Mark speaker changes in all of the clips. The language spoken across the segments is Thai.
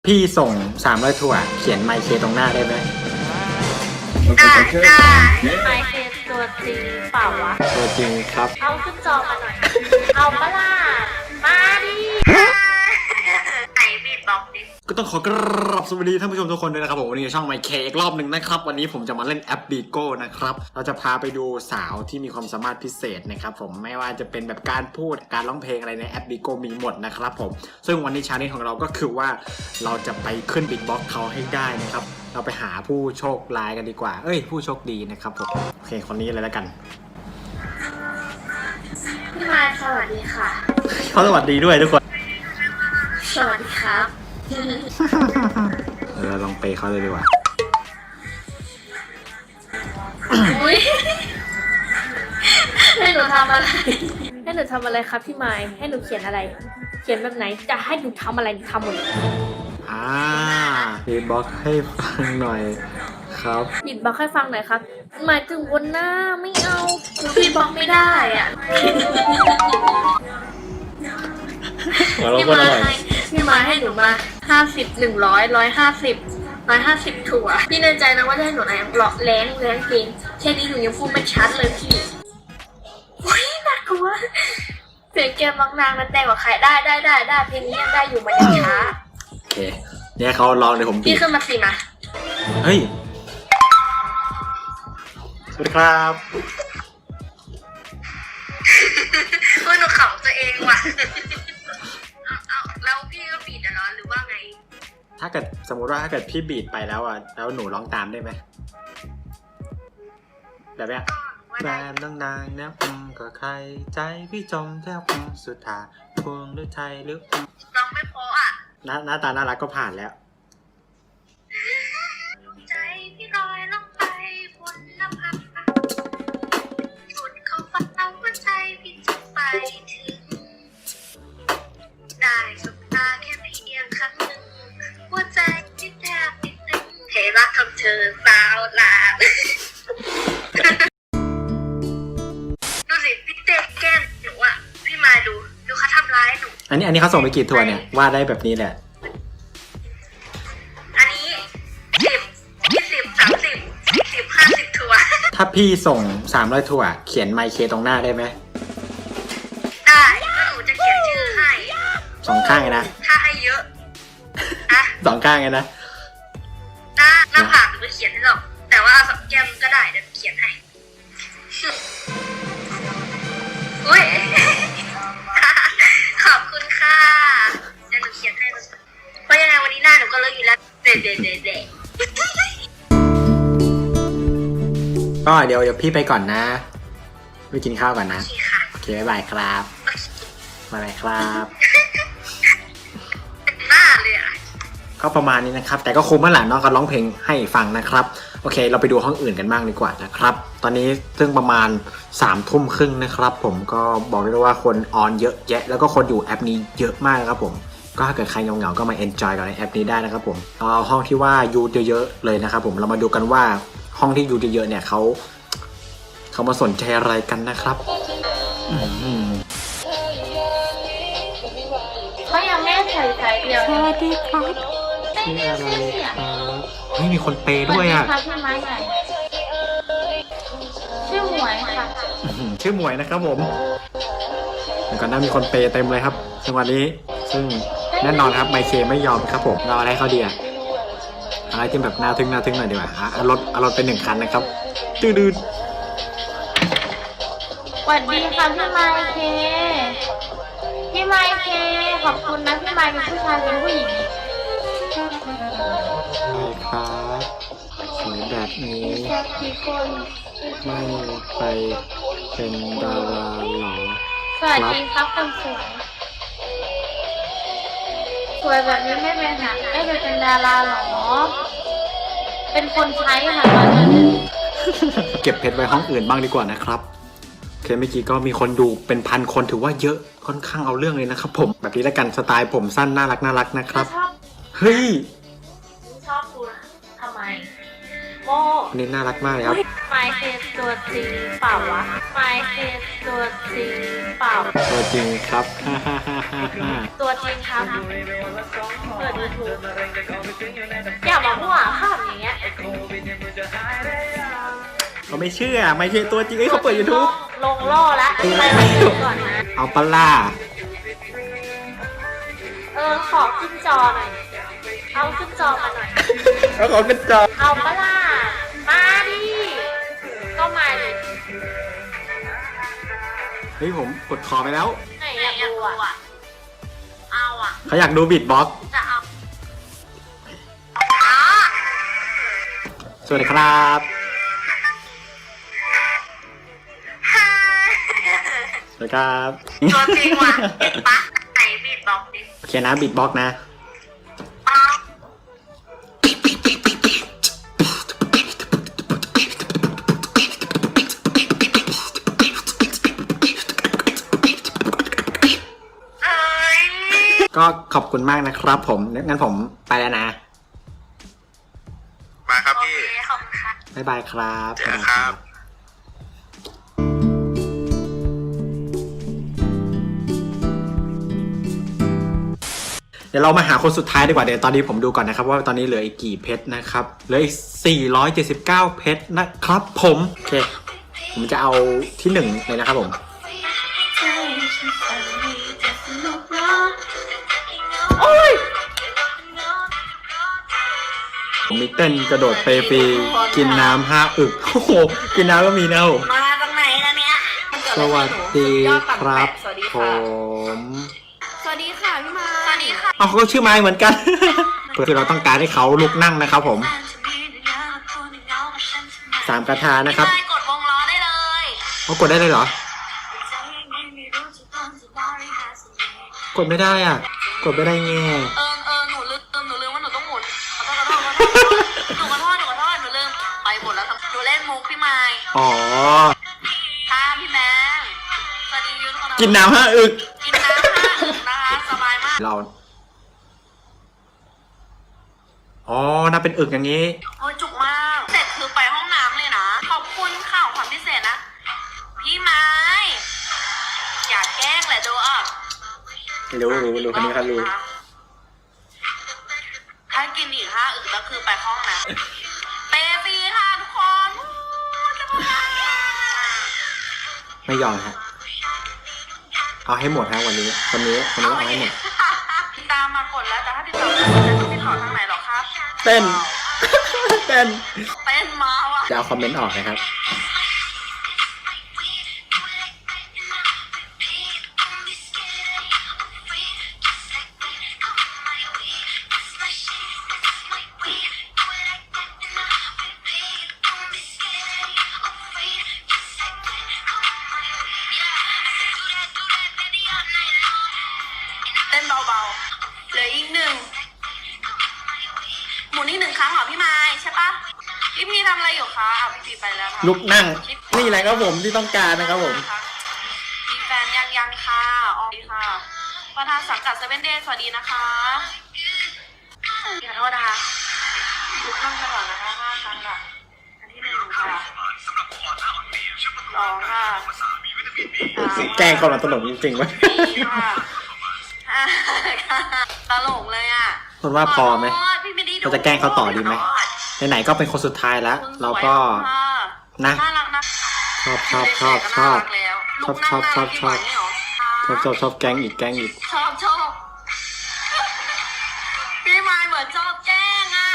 Speaker 1: พี่ส่ง300ถั่วเขียนไมค์เคตรงหน้าได้ไหม
Speaker 2: ได้ไมค์เคตัวจริงเปล่าวะ
Speaker 1: ตัวจริงครับ
Speaker 2: เอาขึ้นจอมาหน่อย เอาปะล่ะมาดิไอบีบล็อกดิ
Speaker 1: ก็ต้องขอกราบสวัสดีท่านผู้ชมทุกคนด้วยนะครับผมวันนี้ช่องไมค์เคอีกรอบหนึ่งนะครับวันนี้ผมจะมาเล่นแอปบีโก้นะครับเราจะพาไปดูสาวที่มีความสามารถพิเศษนะครับผมไม่ว่าจะเป็นแบบการพูดการร้องเพลงอะไรในแอปบีโก้มีหมดนะครับผมซึ่งวันนี้ชาเลนจ์ของเราก็คือว่าเราจะไปขึ้นบิ๊กบ็อกเขาให้ได้นะครับเราไปหาผู้โชคร้ายกันดีกว่าผู้โชคดีนะครับผมโอเคคนนี้เลยแล้วกัน
Speaker 2: พี่มาสวัสดีค่ะ
Speaker 1: เขาสวัสดีด้วยทุกคน
Speaker 2: สวัสดีครับ
Speaker 1: เราลองเปย์เขาเลยดีกว่า
Speaker 2: ให้หนูทำอะไรให้หนูทำอะไรครับพี่ไม้ให้หนูเขียนอะไรเขียนแบบไหนจะให้หนูทำอะไรหนูทำหมด
Speaker 1: บีทบ็อกซ์ให้ฟังหน่อยครับ
Speaker 2: บีทบ็อกซ์ให้ฟังหน่อยครับหมายถึงบนหน้าไม่เอาบีทบ็อกซ์ไม่ได้อ่ะพี่มาให้หนูมา50 100 150ถั่วพี่ในใจนะว่าจะให้หนูแรงเพลงแค่นี้หนูยังพูดไม่ชัดเลยพี่ว้ยน่ากลัวเสียงแกบางนางนั้นแต่งกว่าใครได้เพลงนี้ยังได้อยู่มันยังช้า
Speaker 1: โอเคเนี่ยเขาลองเลยผม
Speaker 2: พี่ขึ้นมาสิมา
Speaker 1: เฮ้ยสวัสดีครับ
Speaker 2: ว่าหนูขำตัวเองว่ะแล้วพี่ก็บีดเหรอหรือว่าไง
Speaker 1: ถ้าเกิดสมมติว่าถ้าเกิดพี่บีดไปแล้วแล้วหนูร้องตามได้ไหมแบบเนี้ยแฟนต้องนางนะก็ใครใจพี่จมแทบสุดท้ายพวงหรือไทยหรือ
Speaker 2: ร้องไม่พอ
Speaker 1: หน้าตาน่ารักก็ผ่านแล้ว
Speaker 2: ใจพี่ลอยลงไปบนน้ำพักสุดเขาฟังเอาหัวใจพี่จะไปถึงได้สบตาแค่เพียงครั้งหนึ่งหัวใจที่แทบติดตึงเทรักทำเธอสาวลาดูสิพี่เต้แก้มหนูอ่ะพี่มาดูเขาทำร้ายหนู
Speaker 1: อันนี้เขาส่งไปกี่ทัวร์เนี่ยวาดได้แบบนี้แหละ
Speaker 2: อันนี้10 20 30 10 50ทัวร์
Speaker 1: ถ้าพี่ส่ง300ทัวร์เขียนไมค์เคตรงหน้าได้ไหม
Speaker 2: ได้ก็หนูจะเขียนชื่อให้
Speaker 1: 2ข้างไงนะ
Speaker 2: ถ้าให้เยอะ
Speaker 1: 2ข้างไงนะ
Speaker 2: หน้าผากหนูไม่เขียนให้หรอกแต่ว่าเอา2แก้มก็ได้เดี๋ยวเขียนให้อุ้ยขอบคุณค่ะเดี๋ยวหนูเขียนให้เพราะยังไงวันนี้หน้าหนูก็เลิกอยู่แล้วเด็ด
Speaker 1: ก็เดี๋ยวพี่ไปก่อนนะไปกินข้าวก่อนนะโอเคบ๊ายบายครับบ๊ายบายครับก็ประมาณนี้นะครับแต่ก็คุ้มแล้วแหละน้องก็ร้องเพลงให้ฟังนะครับโอเคเราไปดูห้องอื่นกันบ้างดีกว่านะครับตอนนี้ซึ่งประมาณ21:30นะครับผมก็บอกได้ว่าคนออนเยอะแยะแล้วก็คนอยู่แอปนี้เยอะมากนะครับผมก็ถ้าเกิดใครเหงาๆก็มา enjoy กับในแอปนี้ได้นะครับผมเอาห้องที่ว่ายูเยอะๆเลยนะครับผมเรามาดูกันว่าห้องที่ยูเยอะๆเนี่ยเขามาสนใจอะไรกันนะครับ
Speaker 2: เขายังไม่ใส่ใจเดียว
Speaker 1: สวัสดีครับชื่ออะไรครับไม่มีคนเปย์ด้วยอ่ะ
Speaker 2: ชื่อไม้ใหญ่ชื่อหมวยค่ะ
Speaker 1: ชื่อหมวยนะครับผมแล้วก็น่ามีคนเปย์เต็มเลยครับจังหวะนี้ซึ่งแน่นอนครับไมเคไม่ยอมครับผมเราอะไรเขาดีอะอะไรที่แบบน่าทึ่งหน่อยดีกว่าเอารถเป็น1 คันนะครับดื้อ
Speaker 2: สวัสดีค่ะพี่ไมเคพี่ไมเคขอบคุณนะพี่ไมเป็นผู้ชายเป็นผู้หญิง
Speaker 1: ใช่ครับสวยแบบนี้ไม่ไปเป็นดาราหรอ
Speaker 2: สวัสดีครับคนสวยแบบนี้ไม่ไปเป็นดาราหรอเป็นคนใช้ค่ะตอนนี้
Speaker 1: เก็บเพชรไว้ห้องอื่นบ้างดีกว่านะครับโอเคเมื่อกี้ก็มีคนดูเป็น1,000 คนถือว่าเยอะค่อนข้างเอาเรื่องเลยนะครับผมแบบนี้แล้วกันสไตล์ผมสั้นน่ารักนะครับเฮ้ย
Speaker 2: ชอบคุณทำไมโม
Speaker 1: นี่น่ารักมากเลยครับ
Speaker 2: ไม่คือตัวจริงเปล่าวะไม่คือตัวจริงเปล่า
Speaker 1: ตัวจริงครับ
Speaker 2: ตัวจริงครับเปิดยูทูบอย่ามามั่วข้ามอย่างเงี้ย
Speaker 1: เขาไม่เชื่อตัวจริงเขาเปิด YouTube
Speaker 2: ลงล่อละไปดูก่อนนะ
Speaker 1: เอาปะล่า
Speaker 2: ขอขึ้นจอหน่อยเอาขึ้นจอมาหน่อย
Speaker 1: เอาของขึ้นจอ
Speaker 2: เอาปะล่ะมาดิก็มาดิ
Speaker 1: เฮ้ยผมกดคอไปแล้ว
Speaker 2: ไหนอยากดูอ่ะเอาอ่ะ
Speaker 1: เขาอยากดูบีทบ็อกซ์
Speaker 2: จะเอา
Speaker 1: สวัสดีครับ สวัสดีครับ
Speaker 2: ตัวจริงว่ะเห็นปะไหนบีบบอกดิ
Speaker 1: โอเคนะบีทบ็อกซ์นะ ก็ขอบคุณมากนะครับผมงั้นผมไปแล้วนะ
Speaker 3: มาครับ
Speaker 2: โอ
Speaker 3: พี่
Speaker 2: เคขอบคุณค่ะ
Speaker 1: บ๊ายบายครับ
Speaker 3: เจอกันครับ
Speaker 1: เดี๋ยวเรามาหาคนสุดท้ายดีกว่าเดี๋ยวตอนนี้ผมดูก่อนนะครับว่าตอนนี้เหลืออีกกี่เพชรนะครับเหลืออีก479เพชรนะครับผมโอเคผมจะเอาที่1เลยนะครับผม
Speaker 2: โอ้ย
Speaker 1: ผมมีเต้นกระโดดเปฟรีกินน้ำ5 อึกโอ้โหกินน้ำก็มีนะผม
Speaker 2: มาตรงไหนนะเนี่ย
Speaker 1: สวัสดีครับ
Speaker 2: สวัสดี
Speaker 1: ผ
Speaker 2: ค่ะ
Speaker 1: ม
Speaker 2: สวัสดีค่ะพี่มาสวัสดีค่ะ
Speaker 1: เอาเขาก็ชื่อไม้เหมือนกัน คือเราต้องการให้เขาลุกนั่งนะครับผม3 กระทานะครับ
Speaker 2: พี่มายกดวงล้อได้เลย
Speaker 1: เขากดได้เลยเหรอ กดไม่ได้อ่ะ กดไม่ได้แง่
Speaker 2: หนูลืมว่าหนูต้องหมุนขอโทษหนูลืมไปหมดแล้วหนูเล่นมุกพี่ไมค์
Speaker 1: อ๋อ
Speaker 2: ค่ะพี่แบงค์สวัสดียูทูบ
Speaker 1: กินน้ำ5 อึก
Speaker 2: กินน้ำนะคะสบายมาก
Speaker 1: เรา อ๋อน่าเป็นอึกอย่างนี้
Speaker 2: โอ้ยจุกมากเสร็จคือไปห้องน้ำเลยนะขอบคุณข่าวความพิเศษนะพี่ไม้อย่าแกล้งแหละดูอ่ะ
Speaker 1: รู้คนนี้เขารู้
Speaker 2: ถ้ากินอีก5 อึกแล้วคือไปห้องน้ำเปฟรีค่ะทุกคนจะมา
Speaker 1: ไม่ยอมฮะ เอาให้หมดฮะวันนี้เอาให้หมด
Speaker 2: ติดตามมากดแล้วแต่ถ้าติดต่อไม่ได้ต้องติดต่อทางไหนหรอครับ
Speaker 1: เต้น เต้น
Speaker 2: เต้นมาว่ะ
Speaker 1: จะเอาคอมเมนต์ออกนะครับ
Speaker 2: เต้นเบาๆเหลืออีก1หมุนอีก1 ครั้งเหรอพี่ไม้ใช่ปะพี่พีทำอะไรอยู่คะพี่พีไปแล้วค่ะ
Speaker 1: ลุกนั่ง นี่แหละครับผมที่ต้องการนะครับผม
Speaker 2: มีแฟนยังค่ะอ๋อดีค่ะ ประธานสังกัดเซเว่นเดย์สวัสดีนะคะขอโทษนะคะลุกนั่งตลอดนะคะ5 ครั้งค่ะอันที่1ค่ะ2 ค่ะ
Speaker 1: แกล้งเขาหลังตลกจริงๆวะ
Speaker 2: 4 ค่ะ5 ค่ะตลกเลยอ่ะ
Speaker 1: คุณว่าพอไหม
Speaker 2: ขโทษพี่ไม่ได้ดู
Speaker 1: เราจะแกล้งเขาต่อดีไหม ไหนๆก็เป็นคนสุดท้ายแล้ว เราก็นะ
Speaker 2: น่ารักนะ
Speaker 1: ชอบ แกล้งอีก
Speaker 2: ชอบพี่ไมค์เหมือนชอบแกล้งอ่ะ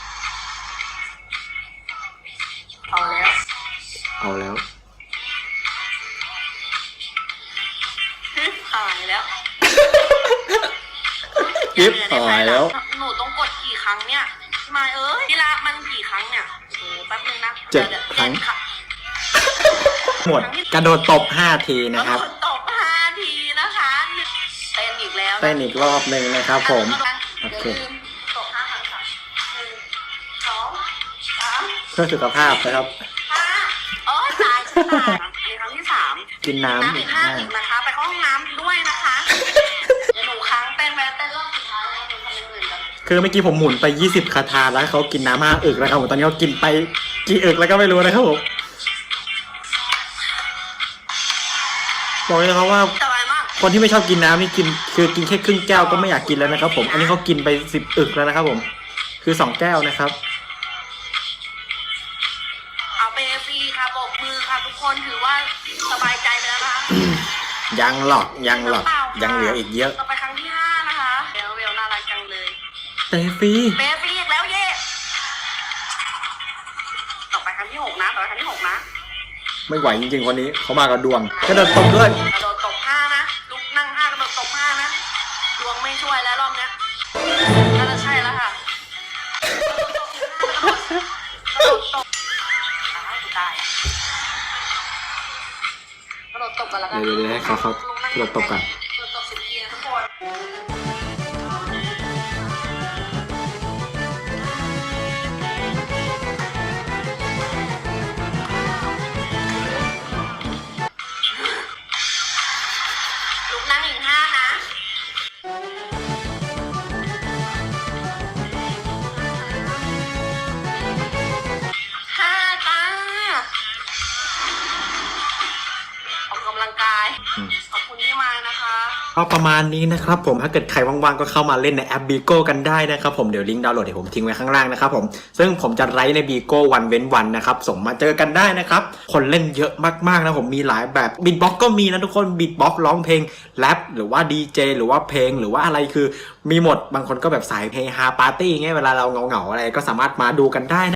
Speaker 2: เอาแล้ว
Speaker 1: เอาแล้ว
Speaker 2: หายแล้ว
Speaker 1: กิ๊บหายแล้ว
Speaker 2: หนูต้องกดกี่ครั้งเนี่ยพี่ไมค์พี่ละมันกี่ครั้งเนี่ยโอ้โหแป๊บนึงนะ
Speaker 1: 7 ครั้ง หมด กระโดดตบ5 ทีนะครับ
Speaker 2: กระโดดตบ5 ทีนะคะเต้นอีกแล้ว
Speaker 1: เต้นอีกรอบหนึ่งนะครับผม โอเค
Speaker 2: ย่าลืมตบ5 ครั้งค่ะ1 2 3
Speaker 1: เพื่อสุขภาพนะครับ
Speaker 2: 5โอ้ตายฉันตายในครั้งที่ 3
Speaker 1: กินน้ำ
Speaker 2: อีก5 อีกนะคะ ไปเข้าห้องน้ำด้วยนะคะเดี๋ยวหนูค้างเต้นรอบสุดท้ายแล้วหนูทำอย่างอื่นกัน
Speaker 1: คือเมื่อกี้ผมหมุนไป20 คาถาแล้วเขากินน้ำ5 อึกแล้วครับผมตอนนี้เขากินไปกี่อึกแล้วก็ไม่รู้นะครับผมบอกเลยนะครับว่า
Speaker 2: สบายมาก
Speaker 1: คนที่ไม่ชอบกินน้ำนี่กินแค่ครึ่งแก้วก็ไม่อยากกินแล้วนะครับผมอันนี้เขากินไป10 อึกแล้วนะครับผมคือ2 แก้วนะครับ
Speaker 2: เอาไปฟรีค่ะโบกมือค่ะทุกคนถือว่าสบายใจไปแล้วนะคะ
Speaker 1: ยังหรอกยังเหลืออีกเยอะ
Speaker 2: ต่อไปครั้งที่5นะคะเวลน่ารักจังเลย
Speaker 1: เตฟรี
Speaker 2: เบฟรีอีกแล้วเย่ต่อไปครั้งที่6นะ
Speaker 1: ไม่ไหวจริงๆคนนี้เขามากับดวงกระโดดตบด้วย
Speaker 2: กระโดดตบ5นะลุกนั่ง5กระโดดตบ5นะดวงไม่ช่วยแล้วรอบเนี้ยน่าจะใช่แล้วค่ะกระโดดตบตายกระโดดตบกันแล้วกัน
Speaker 1: เดี๋ยวให้เขากระโดดตบกัน
Speaker 2: กระโดดตบ10 ทีนะทุกคน ลุกนั่งอีก5นะ5 ตาออกกำลังกาย ขอบคุณที่มานะคะ
Speaker 1: ก็ประมาณนี้นะครับผมถ้าเกิดใครว่างๆก็เข้ามาเล่นในแอป Bigo กันได้นะครับผมเดี๋ยวลิงก์ดาวน์โหลดเดี๋ยวผมทิ้งไว้ข้างล่างนะครับผมซึ่งผมจะไลฟ์ใน Bigo วันเว้นวันนะครับส่งมาเจอกันได้นะครับคนเล่นเยอะมากๆนะผมมีหลายแบบบีทบ็อกก็มีนะทุกคนบีทบ็อกร้องเพลงแรปหรือว่าดีเจหรือว่าเพลงหรือว่าอะไรคือมีหมดบางคนก็แบบสายเฮฮาปาร์ตี้เงี้ยเวลาเราเหงาๆอะไรก็สามารถมาดูกันได้นะ